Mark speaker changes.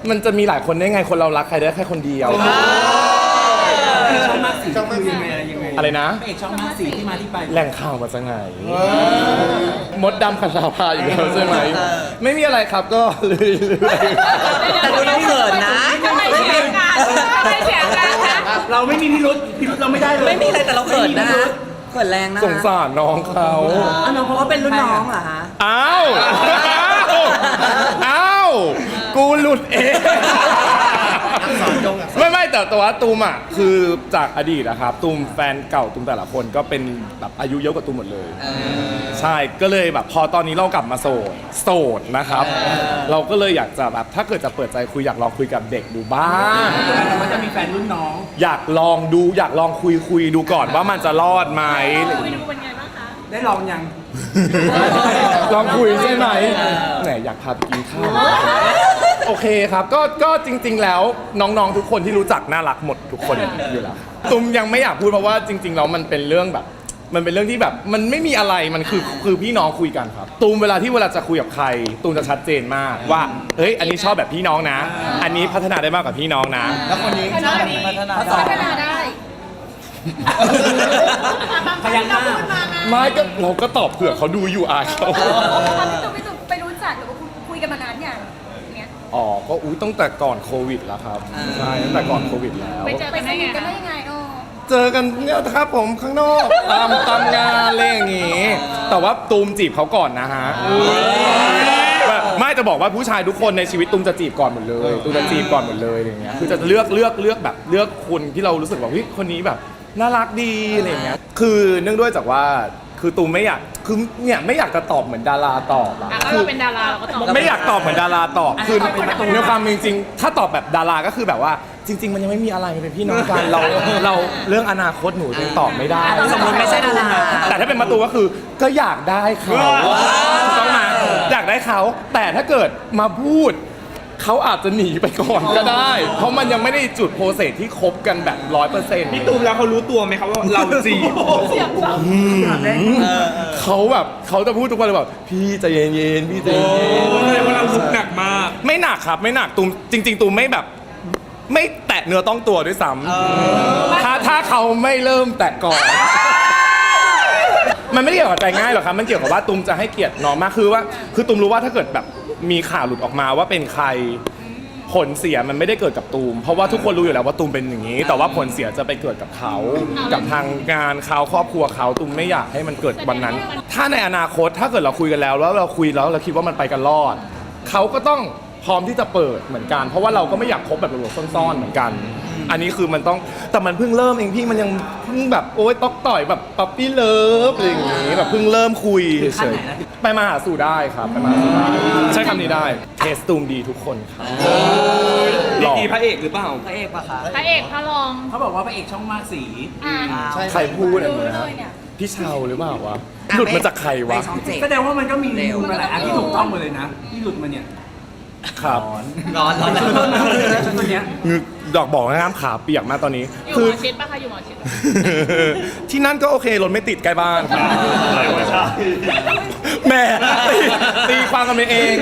Speaker 1: มันจะมีหลายคนได้ไงคนเรารักใครได้แค่คนเดียว
Speaker 2: ช่องมากสีคือยังไง
Speaker 1: อะไรนะ
Speaker 2: พระเอกช่องมากสีที่มาที่ไป
Speaker 1: แหล่งข่าวมาจากไหนมดดำขชาพาอยู่แล้วใช่ไหมไม่มีอะไรครับก็เรื่อยๆ
Speaker 3: แต่ดูเราเขินนะ
Speaker 4: ทำไมเสียงกันทำไมเสียงกันคะ
Speaker 2: เราไม่มีพิรุธเราไม่ได้เลย
Speaker 3: ไม่มีอะไรแต่เราเขินนะเขินแรงนะ
Speaker 1: สงสารน้องเขา
Speaker 3: น้องเพราะว่าเป็นรุ่นน้องเหรอฮะ
Speaker 1: อ้าวกูหลุดเองไม่แต่ว่าตูมอ่ะคือจากอดีตนะครับตูมแฟนเก่าตูมแต่ละคนก็เป็นแบบอายุเยอะกว่าตูมหมดเลยใช่ก็เลยแบบพอตอนนี้เรากลับมาโสดนะครับเราก็เลยอยากจะแบบถ้าเกิดจะเปิดใจคุยอยากลองคุยกับเด็กดูบ้าง
Speaker 2: มันจะมีแฟนรุ่นน้อง
Speaker 1: อยากลองดูอยากลองคุยดูก่อนว่ามันจะรอดไหม
Speaker 4: คุยดูเป็นไงบ้างคะ
Speaker 2: ได้ลองยัง
Speaker 1: ลองคุยใช่ไหมไหนอยากพาไปกินข้าวโอเคครับก็จริงๆแล้วน้องๆทุกคนที่รู้จักน่ารักหมดทุกคนอยู่แล้วตุ้มยังไม่อยากพูดเพราะว่าจริงๆแล้วมันเป็นเรื่องแบบมันเป็นเรื่องที่แบบมันไม่มีอะไรมันคือพี่น้องคุยกันครับตูมเวลาจะคุยกับใครตูมจะชัดเจนมากว่าเฮ้ยอันนี้ชอบแบบพี่น้องนะอันนี้พัฒนาได้มากกว่าพี่น้องนะ
Speaker 3: แล้วคนนี้ชอบแบบพัฒนา
Speaker 4: ได้
Speaker 2: พยักหน้า
Speaker 1: ไม่ก็เราก็ตอบเผื่อเขาดูอยู่อาเขา
Speaker 4: พี่ตุ้มไปรู้จักหรือว่าคุยกันมานานอย่างเนี้ย
Speaker 1: อ๋อก็ตั้งแต่ก่อนโควิดแล้วครับใช่ตั้งแต่ก่อนโควิดแล้ว
Speaker 4: ไปเจอกันได้ยังไง
Speaker 1: เจอกันเนี่ยครับผมข้างนอกตามงานอะไรอย่างงี้แต่ว่าตูมจีบเขาก่อนนะฮะไม่จะบอกว่าผู้ชายทุกคนในชีวิตตูมจะจีบก่อนหมดเลยตูมจะจีบก่อนหมดเลยอย่างเงี้ยคือจะเลือกแบบเลือกคนที่เรารู้สึกว่าเฮ้ยคนนี้แบบน่ารักดีอะไรอย่างเงี้ยคือเนื่องด้วยจากว่าคือตูมไม่อยากคือเนี่ยไม่อยากจะตอบเหมือนดาราตอบอะ
Speaker 4: คือเราเป็นดาราเราก็ตอบ
Speaker 1: ไม่อยากตอบเหมือนดาราตอบคือในความจริงถ้าตอบแบบดาราก็คือแบบว่าจริงๆมันยังไม่มีอะไรมันเป็นพี่น้องกันเราเรื่องอนาคตหนูยังตอบไม่ได้
Speaker 3: สมมติไม่ใช่ดารา
Speaker 1: แต่ถ้าเป็นประตูก็คือก็อยากได้เขาต้องมาอยากได้เขาแต่ถ้าเกิดมาพูดเขาอาจจะหนีไปก่อนก็ได้เพราะมันยังไม่ได้จุดโปรเซสที่คบกันแบบ 100%
Speaker 5: พี่ตูมแล้วเขารู้ตัวไหมครับว่าเราจีบ
Speaker 1: เขาจะพูดทุกวันเลยแบบพี่ใจเย็นๆพี่ใจเย็น
Speaker 5: แสดงว่าเราลุกหนักมาก
Speaker 1: ไม่หนักครับไม่หนักตูมจริงๆตูมไม่แบบไม่แตะเนื้อต้องตัวด้วยซ้ำถ้าเขาไม่เริ่มแตะก่อนมันไม่ได้เกี่ยวกับใจง่ายหรอกครับมันเกี่ยวกับว่าตูมจะให้เกียรติน้องมากคือตูมรู้ว่าถ้าเกิดแบบมีข่าวหลุดออกมาว่าเป็นใครผลเสียมันไม่ได้เกิดกับตูมเพราะว่าทุกคนรู้อยู่แล้วว่าตูมเป็นอย่างนี้แต่ว่าผลเสียจะไปเกิดกับเขากับทางงานเขาครอบครัวเขาตูมไม่อยากให้มันเกิดวันนั้นถ้าในอนาคตถ้าเกิดเราคุยกันแล้วเราคุยแล้วเราคิดว่ามันไปกันรอดเขาก็ต้องพร้อมที่จะเปิดเหมือนกันเพราะว่าเราก็ไม่อยากคบแบบหลบๆซ่อนๆเหมือนกันอันนี้คือมันต้องแต่มันเพิ่งเริ่มเองพี่มันยังเพิ่งแบบโอ๊ยต๊อกต่อยแบบปั๊ปปี้เลิฟอะไรอย่างงี้แบบเพิ่งเริ่มคุยเฉยๆไปมาหาสู่ได้ครับไปมาหาสู่ได้ใช้คำนี้ได้เทสตูมดีทุกคนครับ
Speaker 5: ดีพระเอกหรือเปล่า
Speaker 3: พระเอกปะคะ
Speaker 4: พระเอกพระรอง
Speaker 2: เขาบอกว่าพระเอกช่องมากสี
Speaker 1: ใครพูดอะไรนะพี่เชาหรือเปล่าวะหลุดมาจากใครวะ
Speaker 2: แสดงว่ามันก็มีมาหลายอันที่ถูกต้องหมดเลยนะที่หลุดมาเนี่ย
Speaker 1: ครับ
Speaker 3: ร้อน
Speaker 2: ตัวเนี้ย
Speaker 1: ดอกบอกนะครับขาเปียกมากตอนนี้
Speaker 4: อยู่หมอชิดปะคะอยู่หมอชิด
Speaker 1: ที่นั่นก็โอเครถไม่ติดใกล้บ้านแหมตีความกันไปเอง